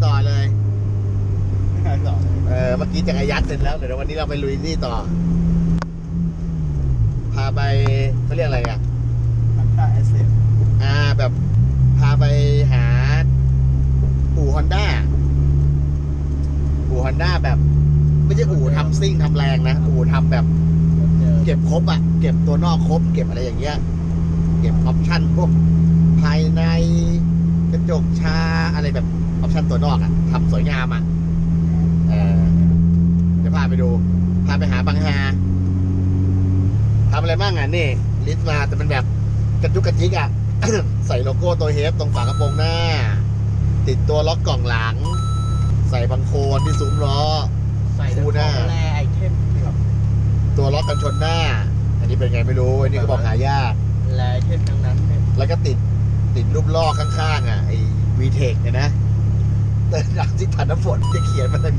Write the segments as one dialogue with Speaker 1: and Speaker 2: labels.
Speaker 1: ต่อเลยเมื่อกี้จักรยานเสร็จแล้วเดี๋ยววันนี้เราไปลุยนี่ต่อพาไปเขาเรียกอะไรอ่ะมันค่าแอสเซทแบบพาไปหาอู่ฮอนด้าแบบไม่ใช่อู่ทำซิ่งทำแรงนะอู่ทำแบบเก็บครบอ่ะเก็บตัวนอกครบเก็บอะไรอย่างเงี้ยเก็บออปชั่นพวกภายในกระจกชาอะไรแบบออปชั่นตัวนอกอ่ะทำสวยงามอ่ะเดี๋ยวพาไปดูพาไปหาบางฮาทำอะไรบ้างอ่ะนี่ลิสต์มาแต่เป็นแบบกระจุกกระจิกอ่ะ ใส่โลโก้ตัวเฮฟตรงฝากระโปรงหน้าติดตัวล็อกกล่องหลังใส่บังโคลนที่ซุ้มล้อ
Speaker 2: ใส่คู่หน้าแรไอเทม
Speaker 1: ตัวล็อกกันชนหน้าอันนี้เป็นไงไม่รู้อันนี้ก็บอกหายาก
Speaker 2: แรไอเทมทั้งนั้น
Speaker 1: แล้วก็ติดรูปล้อข้างๆอ่ะไอ้ VTEC เนี่ยนะแต่หลังที่ผ่านน้ำฝนจะเขียนมันอะไร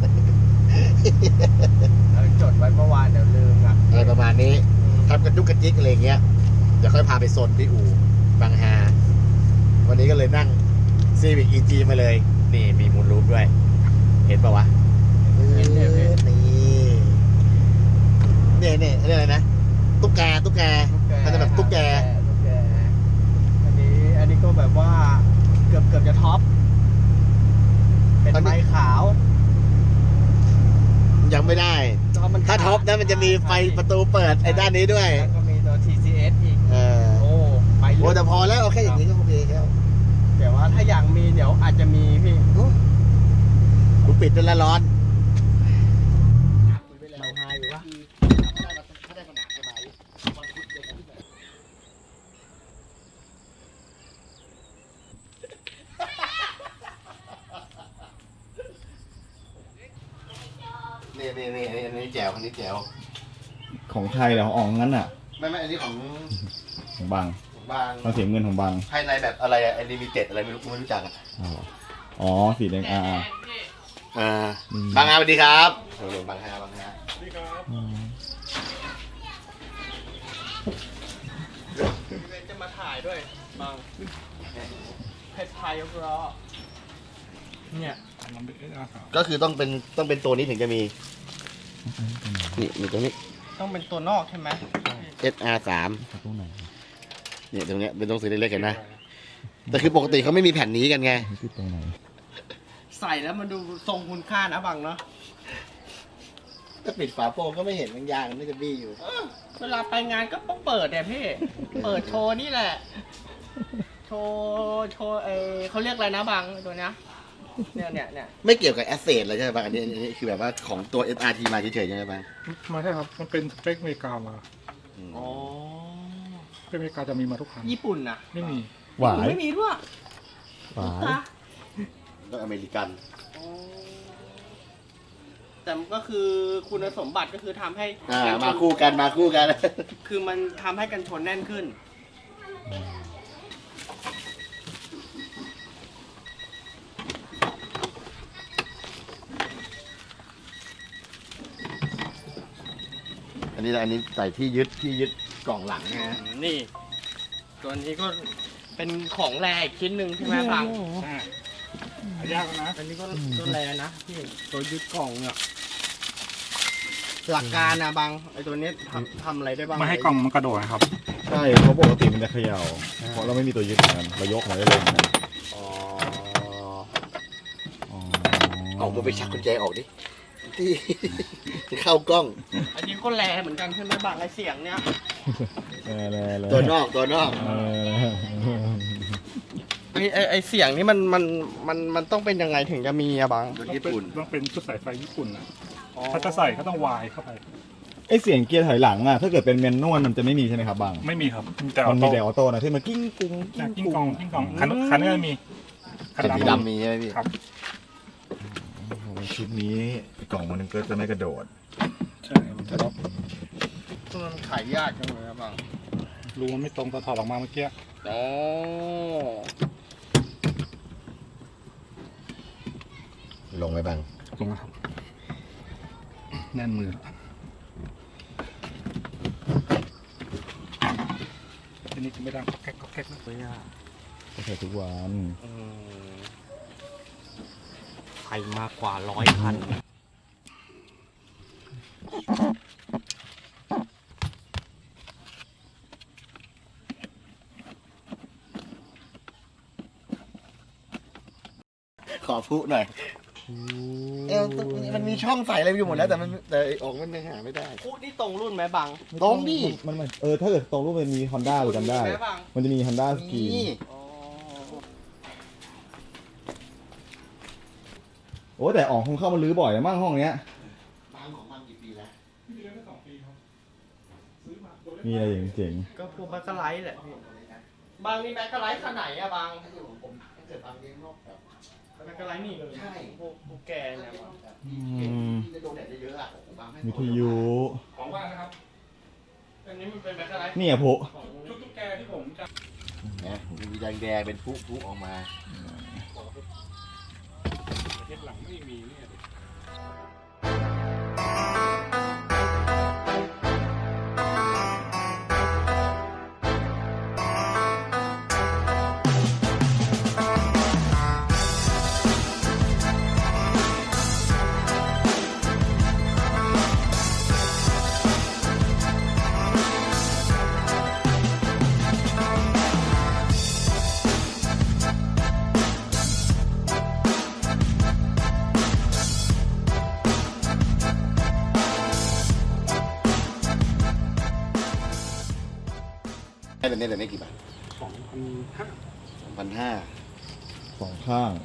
Speaker 2: เราจดไว้เมื่อวานเดี๋ยวลืมอ่ะ
Speaker 1: อะไรประมาณนี้ทำกระจุกกระจิกอะไรเงี้ยเดี๋ยวค่อยพาไปโซนที่อู่บางฮาวันนี้ก็เลยนั่ง Civic EG มาเลยนี่มีมูลรูปด้วยเห็นป่าววะนี่นี่เรียกอะไรนะตุ๊กแกมันจะแบบตุ๊กแก
Speaker 2: อันนี้ก็แบบว่าเกือบจะท็อปเป็นไม้ขาว
Speaker 1: ยังไม่ได้ถ้าท็อปนะมันจะมีไฟประตูเปิดไอ้ด้านนี้ด้วย
Speaker 2: แล้วก็มีตัว TCS อีกโอ้ไป
Speaker 1: โอ้แต่พอแล้วโอเคอย่างนี้ก็โอเคแล้ว
Speaker 2: แต่ว่าถ้าอย่างมีเดี๋ยวอาจจะมีพี่
Speaker 1: กูปิดด้วยละร้อน
Speaker 2: เราหายอยู่วะ
Speaker 1: นี่แจ๋วคันนี้แจ๋ว
Speaker 3: ของไทยเหรอของอ๋องงั้นอ่ะ
Speaker 1: ไม่อันนี้ของ
Speaker 3: บางเราเสียเงินของบาง
Speaker 1: ภายในแบบอะไรอะลิมิเต็ดอะไรไม่รู้จักอ่ะ
Speaker 3: อ๋อสีแดง
Speaker 1: บางฮาสวัสดีครับบางฮาสวัสดีครับ
Speaker 2: จะมาถ่ายด้วยบางเพชรไทยยกล้อเนี่ย
Speaker 1: ก็คือต้องเป็นตัวนี้ถึงจะมีนี่มีตัวนี้
Speaker 2: ต้องเป็นตัวนอกใช่ไหม
Speaker 1: SR3 เนี่ยตรงเนี้ยเป็นตัวสีเล็กๆเห็นนะแต่คือปกติเขาไม่มีแผ่นนี้กันไง
Speaker 2: ใส่แล้วมันดูทรงคุณค่านะบังเนาะ
Speaker 1: ถ้าปิดฝาโปรงก็ไม่เห็นมันยางมันจะบี้อยู่
Speaker 2: เวลาไปงานก็ต้องเปิดเนี่ยพี่เปิดโชว์นี่แหละโชว์เขาเรียกอะไรนะบังตัวเนี้ยเนี่ย
Speaker 1: ไม่เกี่ยวกับแอสเซทอะไรใช่ไหมบางอันนี้คือแบบว่าของตัว SRT มาเฉยๆใช่ไหมบาง
Speaker 4: มาใช่ครับมันเป็นสเปคอเมริกามา
Speaker 2: อ๋อ
Speaker 4: สเปคอเมริกาจะมีมาทุกคัน
Speaker 2: ญี่ปุ่นนะ
Speaker 4: ไม่มี
Speaker 3: หวาย
Speaker 2: ไม่มีด้วย
Speaker 3: หวาย
Speaker 1: ก็อเมริกัน
Speaker 2: แต่ก็คือคุณสมบัติก็คือทำให้
Speaker 1: มาคู่กัน
Speaker 2: คือมันทำให้กันชนแน่นขึ้น
Speaker 1: อันนี้ใส่ที่ยึดกล่องหลังนะ
Speaker 2: นี่ตัวนี้ก็เป็นของแรอีกชิ้นหนึ่งใช่ไหมบัง
Speaker 4: ยากนะ
Speaker 2: อันนี้ก็แรนะพี่ตัวยึดกล่องเนี่ยหลักการนะบังไอตัวนี้ทำอะไรได้บ้าง
Speaker 4: ไม่ให้กล่องมันกระโดดครับ
Speaker 3: ใช่เพราะปกติมันจะเขย่าเพราะเราไม่มีตัวยึดเหมือนกันเรายกมาได้เลยนะ
Speaker 1: เอามือไปชักกุญแจออกดิที่เข้ากล้อง
Speaker 2: อันนี้ก็แรเหมือนกันใช่ไหมบังไอเสียงเนี่ย
Speaker 1: ตัวนอก
Speaker 2: ไอเสียงนี่มันต้องเป็นยังไงถึงจะมีอะบัง
Speaker 1: ญี่ปุ่น
Speaker 4: ต้องเป็นชุดสายไฟญี่ปุ่นนะถ้าจะใส่ก็ต้องวายเข้าไป
Speaker 3: ไอเสียงเกียร์ถอยหลังอ่ะถ้าเกิดเป็นแมนนวลมันจะไม่มีใช่ไหมครับบาง
Speaker 4: ไม่มีครับ
Speaker 3: มันมีแต่ออโต้นะที่มันกิ้ง
Speaker 4: กองคันนี้มี
Speaker 1: คันดำมีใช่ไหมพี่
Speaker 4: ครับ
Speaker 3: ชุดนี้กล่องมันก็จะไม่กระโดด
Speaker 4: ใช่มันจะรับ
Speaker 2: มันขายยากจังเลยครับบาง
Speaker 4: รูมันไม่ตรงตอนถอดออกมาเมื่อกี้
Speaker 1: ลงไหมบาง
Speaker 4: ลงครับแน่นมือทีนี้จะไม่ดังก็แก๊กนะ
Speaker 3: ก็ใช้ทุกวัน
Speaker 2: ไปมากกว่า100 คัน
Speaker 1: ขอพุหน่อยมันมีช่องใส่อะไรอยู่หมดแล้วแต่ออกมันยังหาไม่ได้
Speaker 2: พูดนี่ตรงรุ่นไหมบัง
Speaker 1: ตรงดิ
Speaker 3: มันถ้าเกิดตรงรูปมันมี Honda หรือกันได้
Speaker 2: มีไหมบัง
Speaker 3: มันจะมี Honda สกี
Speaker 1: นี่
Speaker 2: อ๋อ
Speaker 3: โอ้แต่อ๋องคงเข้ามาลื้อบ่อยนะมั่งห้องเนี้ย
Speaker 1: บางของมันกี่ปีแล้ว
Speaker 3: มีอะไรเจ๋ง
Speaker 2: ก็พวกแบ็คไลท์แหละพี่บางนี่แบ็คไลท์ขนาดไหนอะบาง
Speaker 1: ถ้าเกิดผมถ้าเกิดบางเลี้ยงนกแบบ
Speaker 2: แบ็คไลท์นี่เลย
Speaker 1: ใช่
Speaker 2: พวกแกเนี่ยบาง
Speaker 1: ที่จะโดนแดดเยอะๆอ่ะผมบางให้
Speaker 3: ๆวิทยุ
Speaker 4: ของว่างนะครับ
Speaker 2: อันนี้มันเป็นแบ็คไลท์
Speaker 3: นี่อะพุ
Speaker 2: ของ
Speaker 4: ชุดตุ๊กแกที่ผมจะ
Speaker 1: นะมีแดงๆเป็นพุออกมา
Speaker 4: ประเทศหลังไม่มีเนี่ย
Speaker 1: ให้เป็นแบบนี้กี่บาท
Speaker 4: 2,500
Speaker 1: 2,500
Speaker 3: สองข้าง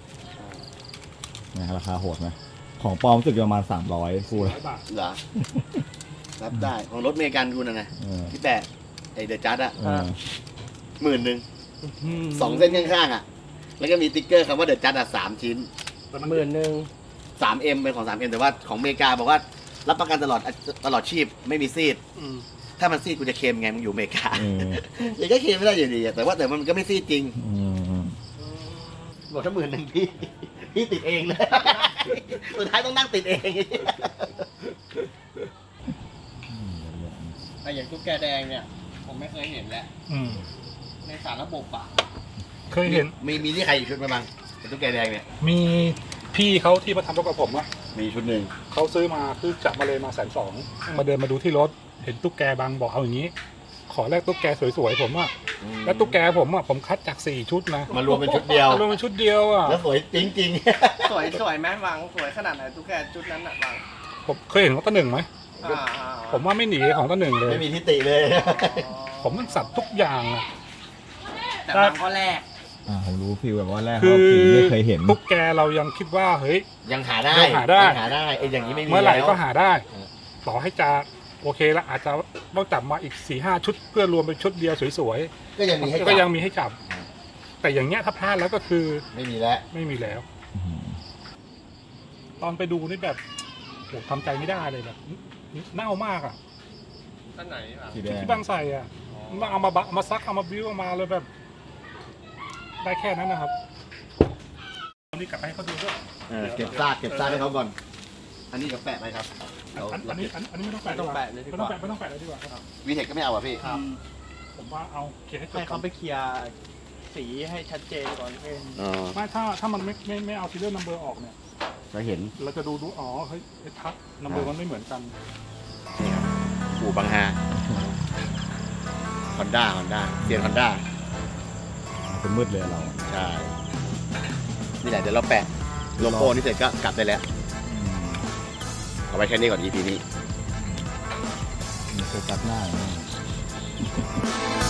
Speaker 3: นะราคาโหดไหมของปลอมรู้สึกจะประมาณ300คู่ละ
Speaker 4: บาท
Speaker 1: เหรอ รับได้ของรถเมกันคุณนะ
Speaker 3: เออ
Speaker 1: ที่แปะไอเดอะจัดอะ
Speaker 3: เออ
Speaker 1: 10,000 2 เส้นข้างๆอะแล้วก็มีติ๊กเกอร์คำว่าเดอะจัดอะ3 ชิ้น
Speaker 2: 11,000
Speaker 1: 3M เป็นของ 3M แต่ว่าของอเมริกาบอกว่ารับประกันตลอดชีพไม่มีซีด ถ้ามันซีดกูจะเคลมไงมึงอยู่อเมริกา
Speaker 3: เออ
Speaker 1: ยังก็เคลมไม่ได้อยู่ดีอะแต่มันก็ไม่ซีดจริง
Speaker 3: อืม
Speaker 1: บอกถ้า10,000พี่ติดเองเลย สุดท้ายต้องนั่งติดเอง
Speaker 2: แต่อย่างตุ๊กแกแดงเนี่ย ผมไม่เคยเห็นแล้ว ในสารระบบอะ
Speaker 4: เคยเห็น
Speaker 1: มีที่ใครอีกชุดไหมบ้างเป็นตุ๊กแกแดงเนี่ย
Speaker 4: มีพี่เขาที่มาทำรถกับผมอะ
Speaker 1: มีชุดหนึ่ง
Speaker 4: เขาซื้อมาคือจับมาเลยมา120,000มาเดินมาดูที่รถ เห็นตุ๊กแกบางบอกเอาอย่างนี้ ขอแลกตุ๊กแกสวยๆผมอะแล้วตุ๊กแกผมอะผมคัดจาก4 ชุดนะ
Speaker 1: มารวมเป็นชุดเดียว
Speaker 4: มารวมเป็นชุดเดียวอะ
Speaker 1: แล้วสวยจริง
Speaker 2: สวยไหมบางสวยขนาดไหนตุ๊กแกชุดนั้นอะบาง
Speaker 4: ผมเคยเห็นของต้นหนึ่งไหม ผมว่าไม่หนีของต้นหนึ่ง
Speaker 1: ๆ
Speaker 4: เลย
Speaker 1: ไม่มีทิฏฐิเลย
Speaker 4: ผมมันสัตว์ทุกอย่างอะ
Speaker 2: แต่บางก็แรก
Speaker 3: ผมรู้ฟิลแบบว่าแรก
Speaker 4: คื
Speaker 3: เขา
Speaker 4: อ
Speaker 3: ฟิลไม่เคยเห็น
Speaker 4: ตุ๊กแกเรายังคิดว่าเฮ้ย
Speaker 1: ยังหาได้
Speaker 4: ยังหาได้
Speaker 1: ไอ้อย่างนี้ไม่มี
Speaker 4: เมื่อไหร่
Speaker 1: แล้ว
Speaker 4: ก็หาได้
Speaker 1: เออ
Speaker 4: ต่อให้จะโอเคแล้วอาจจะต้องจับมาอีก 4-5 ชุด เพื่อรวมเป็นชุดเดียวสวย
Speaker 1: ก็ยังมีให้
Speaker 4: ๆ
Speaker 1: จับ
Speaker 4: ก็ยังมีให้จับ แต่อย่างเงี้ยถ้าพลาดแล้วก็คือ
Speaker 1: ไม่มีแล้ว
Speaker 4: ไม่มีแล้ว ตอนไปดูนี่แบบโหทำใจไม่ได้เลยแบบเน่ามากอ่ะ
Speaker 2: ท่านไหนบาง
Speaker 3: สีแดง
Speaker 4: ที่บางใส่อ่ะมาเอามาซักเอามาบิ้วเอามาเลยแบบ ได้แค่นั้นนะครับอันนี้กลับไปให้เขาดูด้วย
Speaker 1: เก็บซากให้เขาก่อน อันนี้เดี๋ยวแปะไปครับ
Speaker 4: อันนี้ไม่ต้องแปะ
Speaker 2: ไม่ต้องแปะเลยดี
Speaker 4: ไม่
Speaker 2: ก
Speaker 4: ต้อง
Speaker 2: ว่า
Speaker 4: แปะไม่ต้องแปะเลยดีกว่าครับ
Speaker 1: วีเทคก็ไม่เอาอ่ะพี่
Speaker 2: ครับ
Speaker 4: ผมว่าเอาเคลียร์ให้จบ
Speaker 2: ให้เขาไปเคลียร์สีให้ชัดเจนก่อนเพื่อน
Speaker 1: อ๋อ
Speaker 4: ไม่ถ้ามันไม่เอาซีเรียลนัมเบอร์ออกเนี่ย
Speaker 1: เราเห็น
Speaker 4: เราจะดูอ๋อเฮ้ยไอ้ทับนัมเบอร์มันไม่เหมือนกัน
Speaker 1: อู่บางฮาฮอนด้าเซียนฮอนด้า
Speaker 3: เป็นมืดเลยเรา
Speaker 1: ใช่ นี่แหละเดี๋ยวเราแปะโลโก้นี่เสร็จก็กลับได้แล้ว เอาไว้แค่นี้ก่อน EP นี้
Speaker 3: มีโฟกัสหน้าอย่างนี้